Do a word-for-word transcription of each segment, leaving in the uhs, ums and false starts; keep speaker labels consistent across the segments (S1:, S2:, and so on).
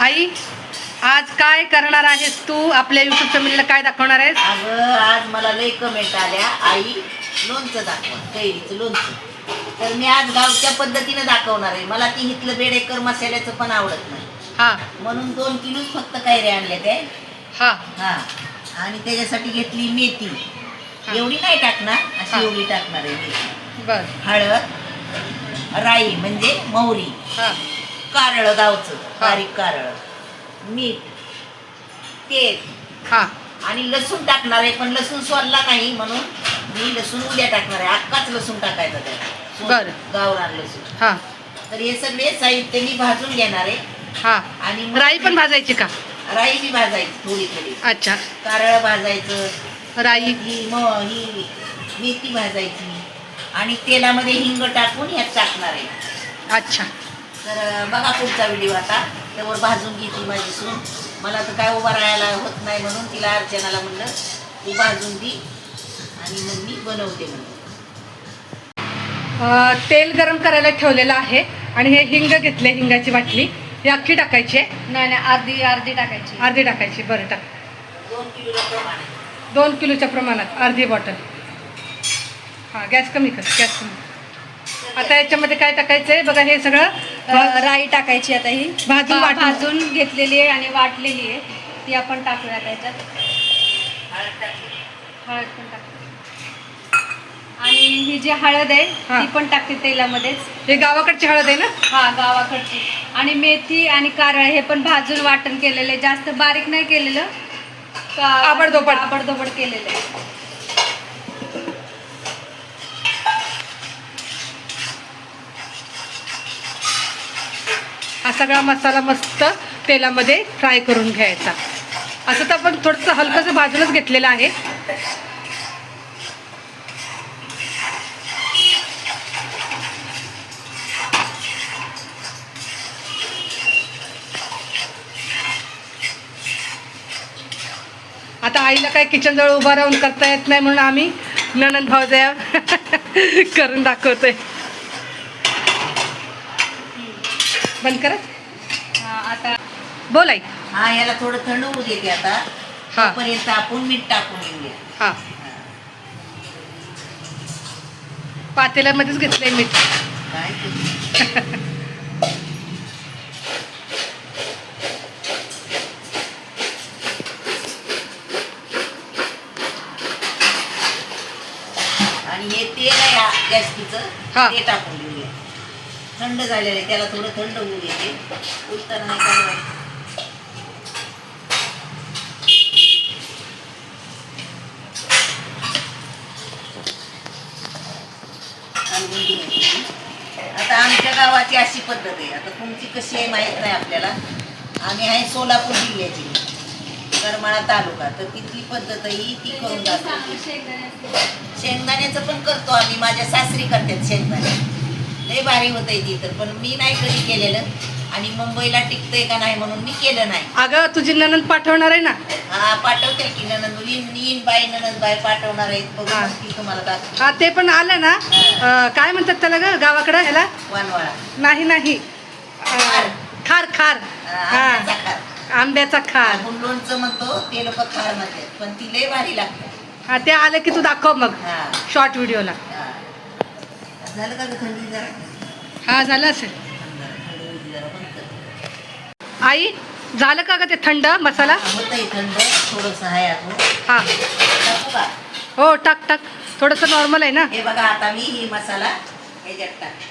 S1: आई आज काय करणार आहेस तू? आपल्या युट्यूब फॅमिलीला काय दाखवणार आहेस?
S2: अगं आज मला लई कमेंट आल्या, आई लोणचं दाखवा, कैरीचं लोणचं. तर मी आज गावच्या पद्धतीने दाखवणार आहे. मला ती इथलं बेडेकर मसाल्याचं पण आवडत नाही,
S1: हा
S2: म्हणून दोन किलोच फक्त कैरी आणले ते.
S1: हा
S2: हा आणि त्याच्यासाठी घेतली मेथी.
S1: हा.
S2: एवढी नाही टाकणार,
S1: हा.
S2: अशी एवढी टाकणार आहे मेथी.
S1: बर
S2: हळद, राई म्हणजे मोहरी,
S1: हा
S2: कारळ गावचं
S1: हा.
S2: बारीक कारळ, मीठ, तेल
S1: हा
S2: आणि लसूण टाकणार आहे. पण लसूण सोलला नाही म्हणून मी लसूण उद्या टाकणार आहे. अख्खाच लसूण टाकायचा त्याला,
S1: बरं.
S2: गावरान लसूण.
S1: हा
S2: तर हे सगळे साहित्य मी भाजून घेणार आहे.
S1: हा
S2: आणि मग
S1: राई पण भाजायची का?
S2: राई बी भाजायची थोडी थोडी,
S1: अच्छा.
S2: कारळ भाजायचं,
S1: राई
S2: ही म ही मेथी भाजायची आणि तेलामध्ये हिंग टाकून ह्यात टाकणार आहे.
S1: अच्छा.
S2: तर बघा पुढचा व्हिडिओ. आता त्यावर भाजून घेतली माझी सून. मला तर काय उभा राहायला होत नाही म्हणून तिला अर्चनाला म्हणलं तू भाजून दी आणि मग मी बनवते म्हणलं.
S1: अ, तेल गरम करायला ठेवलेलं आहे आणि हे हिंग घेतले, हिंगाची बाटली. ही अख्खी टाकायची आहे?
S3: नाही नाही अर्धी अर्धी टाकायची.
S1: अर्धी टाकायची. बरं टाक.
S2: दोन किलोच्या प्रमाणे.
S1: दोन किलोच्या प्रमाणात अर्धी बॉटल. हां गॅस कमी कर, गॅस कमी. आता याच्यामध्ये काय टाकायचं आहे बघा. हे सगळं
S3: अ, राई टाकायची. आता ही
S1: भाजून
S3: भा-
S1: वाटून.
S3: भाजून घेतलेली आहे आणि वाटलेली आहे ती आपण टाकूया त्याच्यात.
S2: हळद टाकली.
S3: हळद पण टाकते आणि ही जी हळद आहे
S1: हा.
S3: ती पण टाकते तेलामध्येच.
S1: हे गावाकडची हळद आहे ना?
S3: हा गावाकडची. आणि मेथी आणि कारळ हे पण भाजून वाटण केलेलं आहे, जास्त बारीक नाही केलेलं, का
S1: आबडधोबड.
S3: आबडधोबड केलेलं आहे.
S1: हा सगळा मसाला मस्त तेलामध्ये फ्राय करून घ्यायचा. असं तर आपण थोडंसं हलकंसं भाजूनच घेतलेलं आहे. आता आईला काय किचन जवळ उभा राहून करता येत नाही म्हणून आम्ही नणंद भावजया करून दाखवतोय. बंद करत.
S3: हा, आता
S1: बोल आई.
S2: हा याला थोडं थंड होऊ देते आता.
S1: हा.
S2: तोपर्यंत आपण मीठ टाकून घेऊया.
S1: हा पातेल्यामध्येच घेतलंय मीठ.
S2: काय ते? आणि हे तेल आहे गॅसकीचं,
S1: हा.
S2: ते टाकून घेऊया. थंड झालेलं आहे, त्याला थोडं थंड होऊ देते. उलटं नाही काढवायचं. आता आमच्या गावाची अशी पद्धत आहे. आता तुमची कशी आहे माहीत नाही आपल्याला. आम्ही आहे सोलापूर जिल्ह्याची, करमाळा तालुका. तर तिथली पद्धत ही ती करून जातो. शेंगदाण्याचं पण करतो आम्ही. माझ्या सासरी करतात शेंगदाणे, लय भारी होतंय ती. तर पण मी नाही कधी केलेलं आणि मुंबईला टिकतंय का नाही म्हणून मी केलं नाही.
S1: अगं तुझी नणंद पाठवणार आहे ना?
S2: हा पाठवते की ननंद नीन बाई ननंद बाई पाठवणार आहेत. बघू
S1: हा.
S2: मग ती तुम्हाला दाखव.
S1: हा ते पण आलं ना. अं, काय म्हणतात त्याला ग गावाकडं ह्याला?
S2: वानवाळा.
S1: नाही नाही अं, खार खार.
S2: हा,
S1: हा
S2: आंब्याचा खार.
S1: आंब्याचा खार.
S2: आपण लोणचं म्हणतो, ते लोक खार म्हणतात, पण ती लय भारी लागते.
S1: हा ते आलं की तू दाखव मग
S2: हा
S1: शॉर्ट व्हिडिओला.
S2: हा. झालं का ग थंडी जरा?
S1: हा झालं असेल.
S2: थंडी होती जरा, बंद कर.
S1: आई झालं का ग ते थंड मसाला?
S2: होतंय थंड, थोडंसं आहे अजून.
S1: हा
S2: टाकू का?
S1: हो टाक टाक. थोडंसं नॉर्मल आहे ना.
S2: हे बघा आता मी ही मसाला ह्याच्यात टाक.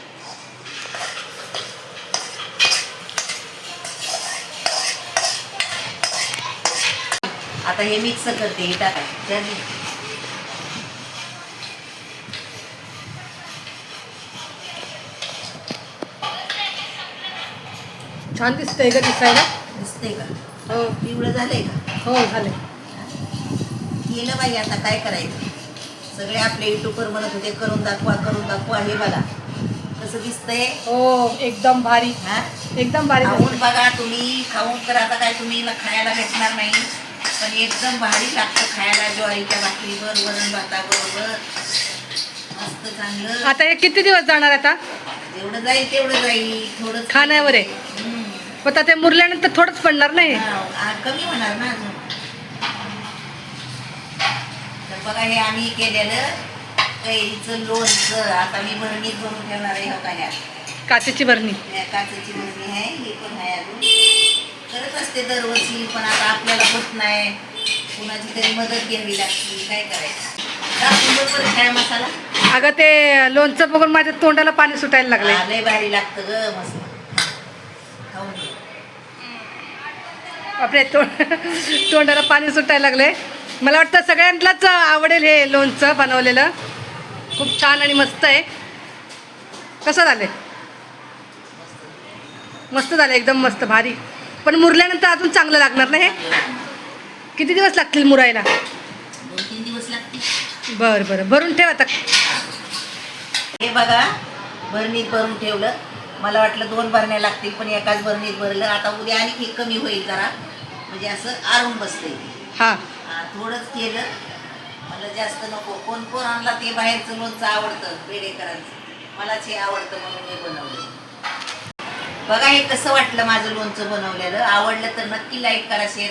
S2: आता हे मिक्स करते. हे टाकायचं.
S1: छान दिसतंय ग दिसायला.
S2: दिसतंय का?
S1: हो
S2: पिवळं झालंय का?
S1: हो झालंय.
S2: केलं बाई, आता काय करायचं. सगळे आपले युट्यूबवर म्हणत होते करून दाखवा करून दाखवा. हे बघा कसं दिसतंय.
S1: हो एकदम भारी.
S2: हा
S1: एकदम भारी.
S2: खाऊन बघा तुम्ही. खाऊन तर आता काय तुम्ही खायला भेटणार नाही, पण एकदम भारी लागतं खायला. ज्वारीच्या भाकरीवर, वरण भाताबरोबर मस्त चांगलं.
S1: आता हे किती दिवस जाणार आता?
S2: जेवढं जाईल तेवढं जाईल. थोडं
S1: खाण्यावर आहे.
S2: हम्म.
S1: पण आता ते मुरल्यानंतर थोडंच पडणार नाही.
S2: हा, आ, कमी होणार ना अजून. तर बघा हे आम्ही केलेलं कैरीचं लोणचं आता मी भरणीत भरून ठेवणार आहे. हो का ह्या
S1: काचेची बरणी.
S2: या काचेची भरणी आहे, हे पण आहे अजून. करत असते दरवर्षी, पण आता आपल्याला होत नाही, कुणाची तरी मदत घ्यावी लागते, काय करायचं. टाकून बरोबर काय मसाला.
S1: अगं ते लोणचं बघून माझ्या तोंडाला पाणी सुटायला लागले.
S2: हा, लय भारी लागतं ग मस्त. खाऊन घे.
S1: आपले तोंड तोंडाला पाणी सुटायला लागले. मला वाटतं सगळ्यांनाच आवडेल हे लोणचं बनवलेलं. खूप छान आणि मस्त आहे. कसं झालं? मस्त झालं, एकदम मस्त भारी. पण मुरल्यानंतर अजून चांगलं लागणार ना हे? किती दिवस लागतील मुरायला?
S2: दोन तीन दिवस लागतील.
S1: बरं बरं, भरून ठेव आता.
S2: हे बघा भरणीत भरून ठेवलं. मला वाटलं दोन भरण्या लागतील, पण एकाच भरणीत भरलं. आता उद्या आणि हे कमी होईल जरा, म्हणजे असं आरून बसतंय.
S1: हां
S2: हा, थोडंच केलं, मला जास्त नको. कोण कोण आणला ते बाहेरचं लोणचं आवडतं बेडेकरांचं, मलाच हे आवडतं म्हणून मी बनवलं. बघा हे कसं वाटलं माझं लोणचं बनवलेलं. आवडलं तर नक्की लाईक करा, शेअर